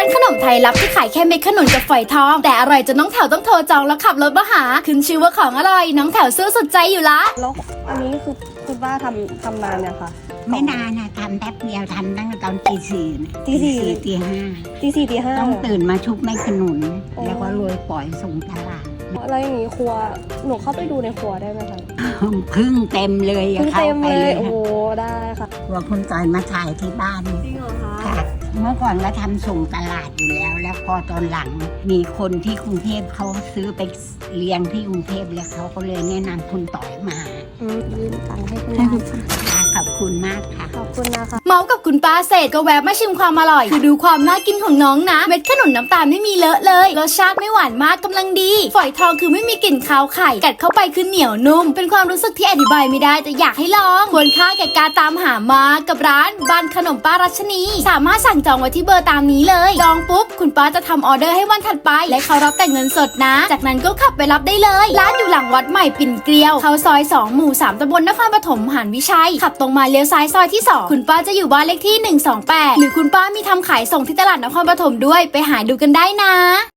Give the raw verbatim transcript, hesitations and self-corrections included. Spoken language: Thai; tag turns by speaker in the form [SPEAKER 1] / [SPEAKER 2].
[SPEAKER 1] านขนมไทยลับที่ขายแค่เม็ดขนุนกับฝอยทองแต่อร่อยจนน้องแถวต้องโทรจองแล้วขับรถมาหาขึ้นชื่อว่าของอร่อยน้องแถวซื้อสุดใจอยู่ละ
[SPEAKER 2] แล้วอันนี้คือคุณป้าทำทำนานเนี่ยค่ะ
[SPEAKER 3] ไม่นานนะทำแป๊บเดียวทำตั้งแต่ตอนตีสี่
[SPEAKER 2] ตีสี่
[SPEAKER 3] ตีห้า
[SPEAKER 2] ตีสี่ตีห้า
[SPEAKER 3] ต้องตื่นมาชุบแม่ขนุนแล้วก็โรยปล่อยส่งตลาด
[SPEAKER 2] แล้วอย่างนี้ครัวหนูเข้าไปดูในครัวได้ไหมคะ
[SPEAKER 3] พึ่งเต็มเลย
[SPEAKER 2] พึ่งเต็มเลยโอ้โหได้ค่ะ
[SPEAKER 3] ครัวคุณต่อยมาถ่ายที่บ้าน
[SPEAKER 2] จริงเหรอคะ
[SPEAKER 3] เมื่อก่อนก็ทำส่งตลาดอยู่แล้ว แล้วพอตอนหลังมีคนที่กรุงเทพเขาซื้อไปเลี้ยงที่กรุงเทพแล้วเขาก็เลยแนะนำคุณต่อยมา
[SPEAKER 2] ยืมตังค์ให้คุณ
[SPEAKER 3] ป้าขอบคุณมากค่ะ
[SPEAKER 2] ขอบคุณนะคะ
[SPEAKER 1] เมากับคุณป้าเสร็จก็แวะมาชิมความอร่อยคือดูความน่ากินของน้องนะเม็ดขนุนน้ำตาลไม่มีเลอะเลยรสชาติไม่หวานมากกำลังดีฝอยทองคือไม่มีกลิ่นคาวไข่กัดเข้าไปคือเหนียวนุ่มเป็นความรู้สึกที่อธิบายไม่ได้แต่อยากให้ลองควรค่าแก่การตามหามากับร้านบ้านขนมป้ารัชนีสามารถสั่งจองไว้ที่เบอร์ตามนี้เลยจองปุ๊บคุณป้าจะทำออเดอร์ให้วันถัดไปและเขารับแต่เงินสดนะจากนั้นก็ขับไปรับได้เลยร้านอยู่หลังวัดใหม่ปิ่นเกลียวเข้าซอยสองหมู่สามตำบลนครปฐมหานวิชัยขับตรงมาเลี้ยวซ้ายซอยที่สองคุณป้าจะอยู่บ้านเลขที่หนึ่งสองแปดหรือคุณป้ามีทำขายส่งที่ตลาดนครปฐมด้วยไปหาดูกันได้นะ